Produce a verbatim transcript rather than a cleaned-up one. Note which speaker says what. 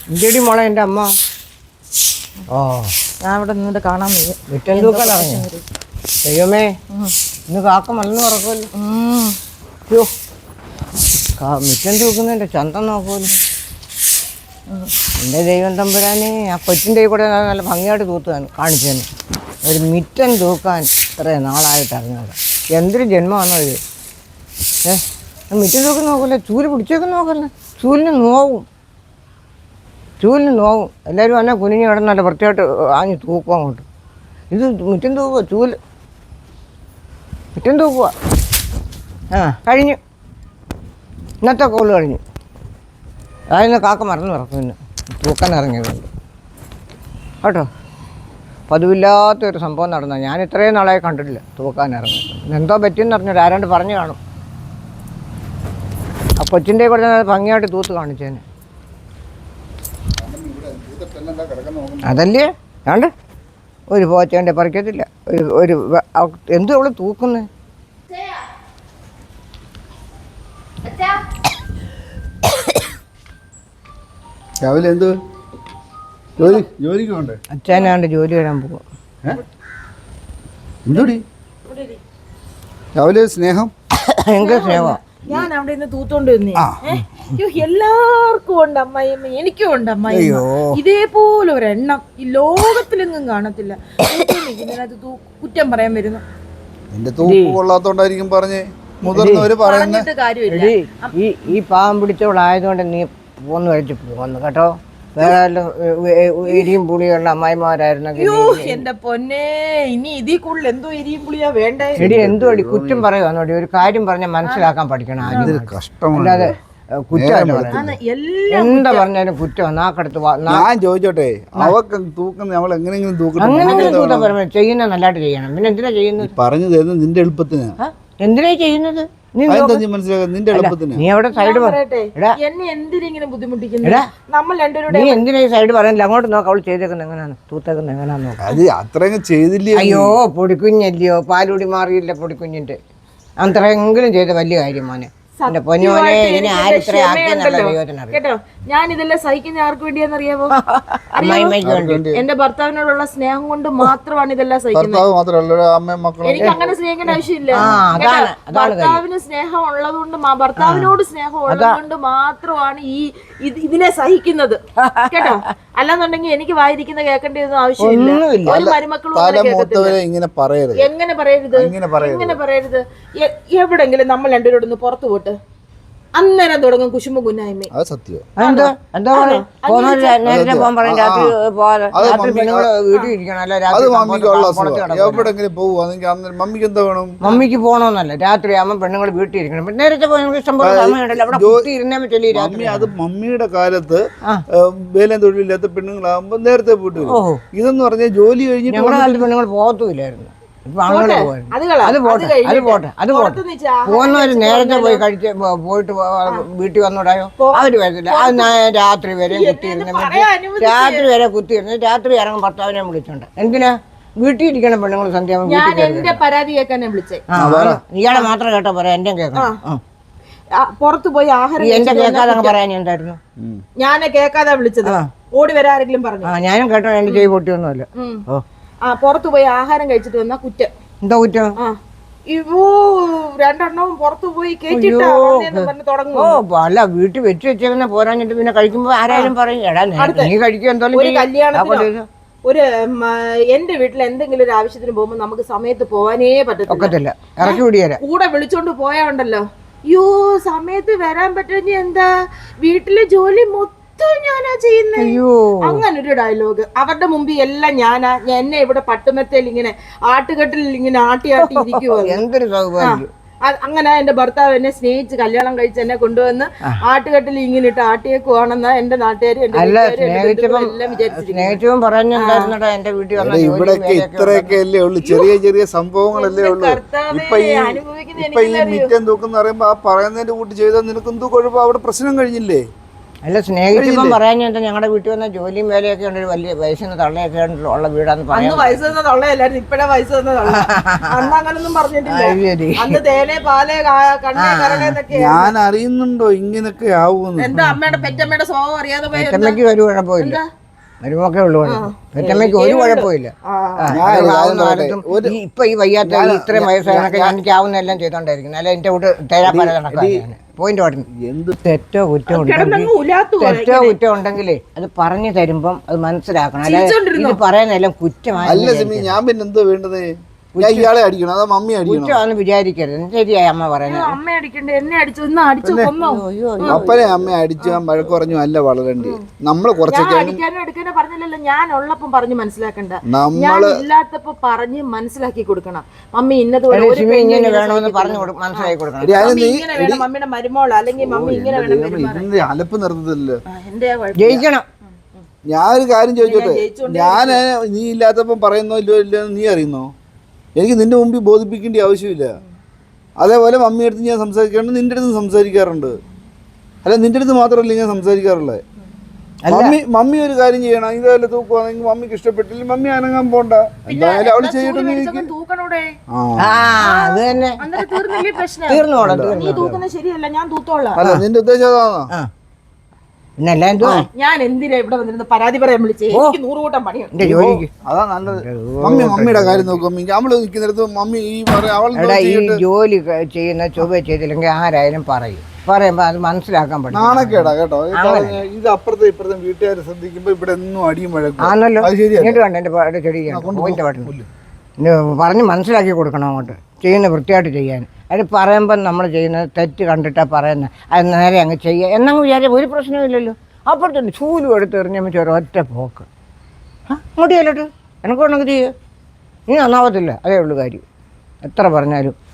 Speaker 1: ഇന്ത്യടി മോളെ എൻ്റെ അമ്മ. ഓ
Speaker 2: ഞാൻ ഇവിടെ നിന്നിട്ട് കാണാൻ വയ്യ.
Speaker 1: വിറ്റൻ തൂക്കാനറിഞ്ഞു. ദൈവമേ, ഇന്ന് കാക്ക മലന്ന് പറക്കുമല്ലോ. അയ്യോ, മിറ്റൻ തൂക്കുന്നതിൻ്റെ ചന്തം നോക്കുമല്ലോ. എൻ്റെ ദൈവം തമ്പുരാനെ, ആ കൊച്ചിൻ്റെ കൂടെ നല്ല ഭംഗിയായിട്ട് തൂത്തുകയാണ് കാണിച്ചേന്. ഒരു മിറ്റൻ തൂക്കാൻ ഇത്രയും നാളായിട്ട് അറിഞ്ഞത്. എന്തൊരു ജന്മമാണോ ഇത്? ഏ മിറ്റൻ തൂക്കം നോക്കല്ലേ, ചൂല് പിടിച്ചേക്കും നോക്കല്ലേ. ചൂലിന് നോവും, ചൂലിന് നോവും. എല്ലാവരും വന്നാൽ കുനിഞ്ഞ് കിടന്നല്ല വൃത്തിയായിട്ട് ആഞ്ഞ് തൂക്കും അങ്ങോട്ട്. ഇത് മിറ്റൻ തൂക്കുക, ചൂല് മിറ്റൻ തൂക്കുക. ആ കഴിഞ്ഞു, ഇന്നത്തെ കോള് കഴിഞ്ഞു. അതിന് കാക്ക മറന്നു പറക്കും. പിന്നെ തൂക്കാൻ ഇറങ്ങിയതുകൊണ്ട് കേട്ടോ. പതിവില്ലാത്തൊരു സംഭവം നടന്ന ഞാൻ ഇത്രയും നാളായി കണ്ടിട്ടില്ല തൂക്കാൻ ഇറങ്ങി. എന്തോ പറ്റിയെന്ന് പറഞ്ഞിട്ട് ആരാണ്ട് പറഞ്ഞു കാണും. ആ കൊച്ചിൻ്റെ കൂടെ ഭംഗിയായിട്ട് തൂത്ത് കാണിച്ചേനെ. അതല്ലേ വേണ്ട, ഒരു പോച്ചേൻ്റെ പറിക്കത്തില്ല. ഒരു ഒരു എന്തും അവള് തൂക്കുന്നേ.
Speaker 3: രാവിലെ എന്ത് ജോലി ജോലിക്ക് പോണ്ടേ?
Speaker 1: അച്ഛനാണ്ട് ജോലി വരാൻ പോകും.
Speaker 3: എന്തോടി രാവിലെ സ്നേഹം?
Speaker 1: ഭയങ്കര സ്നേഹം.
Speaker 2: ഞാൻ അവിടെ നിന്ന് തൂത്തോണ്ട് വന്നേ. എല്ലാവർക്കും ഉണ്ട് അമ്മായിയമ്മ, എനിക്കും ഉണ്ട് അമ്മായിയമ്മ. ഇതേപോലെ ഒരെണ്ണം ഈ ലോകത്തിലെങ്ങും കാണത്തില്ല. ഇതിനകത്ത് കുറ്റം പറയാൻ വരുന്നു.
Speaker 3: എന്റെ തൂപ്പ് കൊള്ളാത്തോണ്ടായിരിക്കും പറഞ്ഞേ മുതിർന്നവര് പറയുന്നത്.
Speaker 2: കാര്യമില്ല.
Speaker 1: ഈ ഈ പാവം പിടിച്ചവളായതുകൊണ്ട് നീ പോന്ന് കഴിച്ച് പോന്നു കേട്ടോ. വേറെ എരിയും പുളിയുള്ള അമ്മായിമാരായിരുന്നെങ്കിൽ
Speaker 2: എന്റെ പൊന്നെ, ഇനി ഇതിൽ കൂടുതൽ എന്തോ എരിയും പുളിയാ വേണ്ടേ?
Speaker 1: എടി എന്തോ അടി കുറ്റം പറയുവാന്നോടി. ഒരു കാര്യം പറഞ്ഞാൽ മനസ്സിലാക്കാൻ പഠിക്കണം ആദ്യം. അല്ലാതെ കുറ്റം എന്താ പറഞ്ഞാലും കുറ്റം നാക്കടുത്ത്.
Speaker 3: ഞാൻ ചോദിച്ചോട്ടെ, അവക്ക് തൂക്കുന്ന നമ്മൾ എങ്ങനെയെങ്കിലും തൂക്കണം.
Speaker 1: അങ്ങനെ തൂക്കാൻ പറയുമ്പോൾ ചെയ്യുന്ന നല്ലതായിട്ട് ചെയ്യണം. പിന്നെ എന്തിനാ ചെയ്യുന്നത്?
Speaker 3: പറഞ്ഞു തരുന്നത് നിന്റെ എളുപ്പത്തിന്.
Speaker 1: എന്തിനാ ചെയ്യുന്നത്?
Speaker 3: മനസ്സിലാക്കാം നിന്റെ എളുപ്പത്തിന്.
Speaker 1: നീ അവിടെ സൈഡ്
Speaker 2: എന്നെ എന്തിനെ ബുദ്ധിമുട്ടിക്കുന്നത്? നമ്മൾ രണ്ടുപേരുടെ
Speaker 1: നീ എന്തിനാ ഈ സൈഡ് പറയണില്ല? അങ്ങോട്ട് നോക്കാം അവള് ചെയ്തേക്കുന്നത് എങ്ങനെയാണ്, തൂത്തേക്കുന്നത് എങ്ങനെയാന്ന് നോക്കാം.
Speaker 3: അത് അത്രയും ചെയ്തില്ലേ?
Speaker 1: അയ്യോ പൊടിക്കുഞ്ഞല്ലയോ, പാലുടി മാറിയില്ല പൊടിക്കുഞ്ഞിന്റെ. അത്രയെങ്കിലും ചെയ്ത വലിയ കാര്യം മോനെ. എന്റെ പൊന്നുമോനെ, ഇതിനെ ആരിത്ര ആക്കിയെന്നുള്ള ദൈവത്തിനറിയാം
Speaker 2: കേട്ടോ. ഞാൻ ഇതെല്ലാം സഹിക്കുന്ന ആർക്ക് വേണ്ടിയാന്നറിയാമോ?
Speaker 1: അമ്മായിമ്മയ്ക്ക് വേണ്ടി.
Speaker 2: എന്റെ ഭർത്താവിനോടുള്ള സ്നേഹം കൊണ്ട് മാത്രമാണ് ഇതെല്ലാം സഹിക്കുന്നത്. എനിക്ക് അങ്ങനെ സ്നേഹിക്കേണ്ട ആവശ്യമില്ല. ഭർത്താവിന് സ്നേഹം ഉള്ളത് കൊണ്ട്, ഭർത്താവിനോട് സ്നേഹം ഉള്ളത് കൊണ്ട് മാത്രമാണ് ഈ ഇതിനെ സഹിക്കുന്നത് കേട്ടോ. അല്ലാന്നുണ്ടെങ്കിൽ എനിക്ക് വായിരിക്കുന്ന കേൾക്കേണ്ടതൊന്നും ആവശ്യമില്ല. ഒരു മരുമക്കളും
Speaker 3: ഇങ്ങനെ പറയരുത്.
Speaker 2: എങ്ങനെ പറയരുത്? എങ്ങനെ പറയരുത്? എവിടെങ്കിലും നമ്മൾ രണ്ടുപേരോടൊന്ന് പുറത്തു പോട്ട്, അന്നേരം തുടങ്ങും കുശുമ്പ കുന്നായ്മ.
Speaker 3: അത് സത്യം. എവിടെങ്കിലും പോവുകയാണെങ്കിൽ മമ്മിക്ക് എന്താ വേണം?
Speaker 1: മമ്മിക്ക് പോകണമെന്നല്ല, രാത്രി ആകുമ്പോൾ പെണ്ണുങ്ങൾ വീട്ടിൽ ഇരിക്കണം. നേരത്തെ ഇഷ്ടംപോലെ സമയമുണ്ടല്ലോ അവിടെ ഇരുന്നാൽ പറ്റില്ല.
Speaker 3: മമ്മി അത് മമ്മിയുടെ കാലത്ത് വേലം തൊഴിലില്ലാത്ത പെണ്ണുങ്ങളാകുമ്പോ നേരത്തെ പോയിട്ട് വരും. ഇതെന്ന് പറഞ്ഞാൽ ജോലി കഴിഞ്ഞിട്ട്
Speaker 1: ഞങ്ങളുടെ കാലത്ത് പെണ്ണുങ്ങൾ പോകത്തുമില്ലായിരുന്നു. ഇപ്പൊ അങ്ങനെ അത് പോട്ടെ, അത് പോട്ടെ, അത് പോട്ടെ. പോകുന്നവര് നേരത്തെ പോയി കഴിച്ച് പോയിട്ട് വീട്ടിൽ വന്നോടായോ? അവര് വരത്തില്ല. അത് രാത്രി വരെ കുത്തിയിരുന്ന രാത്രി വരെ കുത്തിയിരുന്ന് രാത്രി ഇറങ്ങും ഭർത്താവിനെ വിളിച്ചോണ്ട്. എന്തിനാ വീട്ടിൽ ഇരിക്കണം പെണ്ണുങ്ങൾ സന്ധ്യ വീട്ടിൽ?
Speaker 2: പരാതി കേൾക്കാനെ വിളിച്ചേ.
Speaker 1: ഇയാളെ മാത്രം കേട്ടോ പറയാം, എന്റെ കേൾക്കണം.
Speaker 2: പുറത്തു പോയി ആഹാരം
Speaker 1: എന്റെ കേൾക്കാതെ പറയാൻ എന്തായിരുന്നു?
Speaker 2: ഞാനെ കേൾക്കാതെ വിളിച്ചത്. ഓടി വരാ ആരെങ്കിലും പറഞ്ഞു?
Speaker 1: ആ ഞാനും കേട്ടോ, എന്റെ ചെയ് പൊട്ടിയൊന്നുമല്ല. ഓ
Speaker 2: ആ പുറത്തു പോയി ആഹാരം കഴിച്ചിട്ട് വന്ന കുറ്റം.
Speaker 1: എന്താ കുറ്റം?
Speaker 2: ആ ഇവോ രണ്ടെണ്ണവും പുറത്തു പോയി കേട്ടിട്ടാ തുടങ്ങും.
Speaker 1: ഓ അല്ല, വീട്ടിൽ വെച്ച് വെച്ചേക്കുന്ന പോരാഞ്ഞിട്ട് പിന്നെ കഴിക്കുമ്പോ ആരായാലും പറയും എടാ നീ കഴിക്കും. എന്തായാലും
Speaker 2: കല്യാണത്തിന് ഒരു എന്റെ വീട്ടിൽ എന്തെങ്കിലും ഒരു ആവശ്യത്തിന് പോകുമ്പോ നമുക്ക് സമയത്ത് പോവാനേ പറ്റത്തില്ല.
Speaker 1: ഇറക്കി വിടിയല്ല.
Speaker 2: കൂടെ വിളിച്ചോണ്ട് പോയാ ഉണ്ടല്ലോ, അയ്യോ സമയത്ത് വരാൻ പറ്റുന്ന എന്താ, വീട്ടിലെ ജോലി മൊത്തം ഞാനാ ചെയ്യുന്നേ. അങ്ങനെ ഒരു ഡയലോഗ് അവരുടെ മുമ്പിൽ എല്ലാം ഞാനാ. എന്നെ ഇവിടെ പട്ടുമെത്തയിൽ ഇങ്ങനെ ആട്ടുകെട്ടിൽ ഇങ്ങനെ ആട്ടി ആട്ടി ഇരിക്കുവോ.
Speaker 1: എന്തൊരു സൗകര്യം.
Speaker 2: അങ്ങനെ എന്റെ ഭർത്താവ് എന്നെ സ്നേഹിച്ച് കല്യാണം കഴിച്ച് എന്നെ കൊണ്ടുവന്ന് ആട്ടുകെട്ടിൽ ഇങ്ങനെ ഇട്ട് ആട്ടിയേക്കുവാണെന്ന് എന്റെ നാട്ടുകാരും
Speaker 3: ഇവിടെയൊക്കെ ഇത്രയൊക്കെ അല്ലേ ഉള്ളു, ചെറിയ ചെറിയ സംഭവങ്ങളല്ലേ ഉള്ളു. ഇപ്പൊ ഈ ഇപ്പൊ ഈ മിറ്റം തൂക്കെന്ന് പറയുമ്പോ ആ പറയുന്നതിന്റെ കൂട്ടി ചെയ്താൽ നിനക്ക് എന്തോ കുഴപ്പം? അവിടെ പ്രശ്നം കഴിഞ്ഞില്ലേ?
Speaker 1: അല്ല സ്നേഹിച്ചപ്പം പറയാൻ എന്താ ഞങ്ങളുടെ വീട്ടിൽ വന്ന ജോലിയും വേലയൊക്കെ ഉണ്ട്, ഒരു വലിയ വയസ്സിന് തള്ളയൊക്കെ ഉള്ള വീടാന്ന് പറയാൻ.
Speaker 2: അന്ന് വയസ്സ് തന്ന തള്ളയല്ലായിരുന്നു, ഇപ്പഴാ വയസ്സ് തന്ന തള്ള. അന്ന് അങ്ങനൊന്നും പറഞ്ഞിട്ടില്ല. അന്ന് തേനെ പാല് കണ്ണേ കരടേന്നൊക്കെ.
Speaker 3: ഞാൻ അറിയുന്നുണ്ടോ ഇങ്ങനൊക്കെ ആവുമെന്ന്?
Speaker 2: എന്താ അമ്മയുടെ പെറ്റമ്മയുടെ സ്വഭാവം അറിയാതെ പോയി.
Speaker 1: പെറ്റമ്മയ്ക്ക് ഒരു കുഴപ്പമില്ല, മരുമൊക്കെ ഉള്ളു. പെറ്റമ്മയ്ക്ക് ഒരു കുഴപ്പമില്ല. ഇപ്പൊ ഈ വയ്യാത്ത ഇത്രയും വയസ്സായതൊക്കെ എനിക്ക് ആവുന്ന എല്ലാം ചെയ്തോണ്ടായിരിക്കും. അല്ല എന്റെ കൂട്ട് തേരാപ്പാല നടക്കാൻ പോയിന്റ് പറഞ്ഞു. എന്ത് തെറ്റോ കുറ്റം ഉണ്ടെങ്കിൽ തെറ്റോ കുറ്റം ഉണ്ടെങ്കിലേ അത് പറഞ്ഞു തരുമ്പം അത് മനസ്സിലാക്കണം. അല്ലെ ഇത് പറയാനെല്ലാം കുറ്റമായി.
Speaker 3: അല്ല സിമി, ഞാൻ പിന്നെ എന്തോ വേണ്ടത്? ഞാൻ ഇയാളെ അടിക്കണം അതോ മമ്മി അടിക്കണം?
Speaker 1: കുറ്റമാണെന്ന് വിചാരിക്കരുത്. ശരിയായി അമ്മ പറയുന്നത്.
Speaker 2: അമ്മ അടിക്കണ്ടേ, എന്നെ അടിച്ചു, ഇന്ന് അടിച്ചു കൊന്നോ?
Speaker 3: അപ്പനെ അമ്മ അടിച്ചു വഴക്ക് പറഞ്ഞു അല്ല വളരണ്ടേ. നമ്മള് കുറച്ചൊക്കെ
Speaker 2: അടിക്കാനോ എടുക്കാനോ പറഞ്ഞില്ലല്ലോ. ഞാൻ ഉള്ളപ്പം പറഞ്ഞ് മനസ്സിലാക്കണ്ട, ഞാൻ ഇല്ലാത്തപ്പോ പറഞ്ഞ് മനസ്സിലാക്കി കൊടുക്കണം. മമ്മി ഇന്നതുപോലെ
Speaker 1: ഇങ്ങനെ വേണമെന്ന് പറഞ്ഞു മനസ്സിലാക്കി കൊടുക്കണം.
Speaker 2: മമ്മിയുടെ മരുമോൾ അല്ലെങ്കിൽ മമ്മി ഇങ്ങനെ വേണം.
Speaker 3: അലപ്പ് നിർത്തത്തില്ലല്ലോ.
Speaker 2: എന്റെ
Speaker 1: ജയിക്കണം.
Speaker 3: ഞാനൊരു കാര്യം ചോദിച്ചോട്ടെ, ഞാൻ നീ ഇല്ലാത്തപ്പം പറയുന്നോ ഇല്ലോ ഇല്ലോ നീ അറിയുന്നോ? എനിക്ക് നിന്റെ മുമ്പിൽ ബോധിപ്പിക്കേണ്ട ആവശ്യമില്ല. അതേപോലെ മമ്മി അടുത്ത് ഞാൻ സംസാരിക്കാറുണ്ട്, നിന്റെ അടുത്ത് സംസാരിക്കാറുണ്ട്. അല്ല നിന്റെ അടുത്ത് മാത്രമല്ല ഞാൻ സംസാരിക്കാറുള്ളത്. മമ്മി മമ്മി ഒരു കാര്യം ചെയ്യണം, ഇതേപോലെ തൂക്കുവാണെങ്കിൽ മമ്മിക്ക് ഇഷ്ടപ്പെട്ടില്ല, മമ്മി അനങ്ങാൻ പോണ്ട. എന്തായാലും അവള് ചെയ്തിട്ട്
Speaker 2: ശരിയല്ല, ഞാൻ തൂത്തോളാം.
Speaker 3: അല്ല നിന്റെ ഉദ്ദേശം അതാണോ?
Speaker 2: ഞാൻ എന്തിനാ ഇവിടെ വന്നിരുന്ന് പരാതി പറയാൻ വിളിച്ചേ? എനിക്ക് നൂറ് കൂട്ടം പണിയുണ്ട്.
Speaker 3: അതാ നല്ലത്. മമ്മി മമ്മിയുടെ കാര്യം നോക്കും. അവള് നിൽക്കുന്നിടത്ത് മമ്മി ഈ
Speaker 1: ഈ ജോലി ചെയ്യുന്ന ചൊവ്വ ചെയ്തില്ലെങ്കിൽ ആരായാലും പറയും. പറയുമ്പോ അത് മനസ്സിലാക്കാൻ പറ്റും.
Speaker 3: നാണക്കേടാ കേട്ടോ. ഇത് അപ്പുറത്തെ ഇപ്പുറത്തെ വീട്ടുകാരെ ശ്രദ്ധിക്കുമ്പോ ഇവിടെ എന്നും അടിയും വഴക്കും
Speaker 1: ആണല്ലോ. ഇങ്ങോട്ട് വേണ്ട എന്റെ ചെടി പോയിന്റ് പാട്ടില്ല പറഞ്ഞ് മനസ്സിലാക്കി കൊടുക്കണം അങ്ങോട്ട് ചെയ്യുന്ന വൃത്തിയായിട്ട് ചെയ്യാൻ. അത് പറയുമ്പം നമ്മൾ ചെയ്യുന്നത് തെറ്റ് കണ്ടിട്ടാണ് പറയുന്നത്, അത് നേരെ അങ്ങ് ചെയ്യുക എന്നങ്ങ് വിചാരിച്ചാൽ ഒരു പ്രശ്നമില്ലല്ലോ. അപ്പുറത്തുണ്ട് ചൂലും എടുത്ത് എറിഞ്ഞപ്പോൾ ചോര ഒറ്റ പോക്ക്. ആ അങ്ങോട്ട് ചെല്ലോട്ട് എനക്ക് വേണമെങ്കിൽ ചെയ്യുക, ഇനി നന്നാവത്തില്ല. അതേ ഉള്ളൂ കാര്യം. എത്ര പറഞ്ഞാലും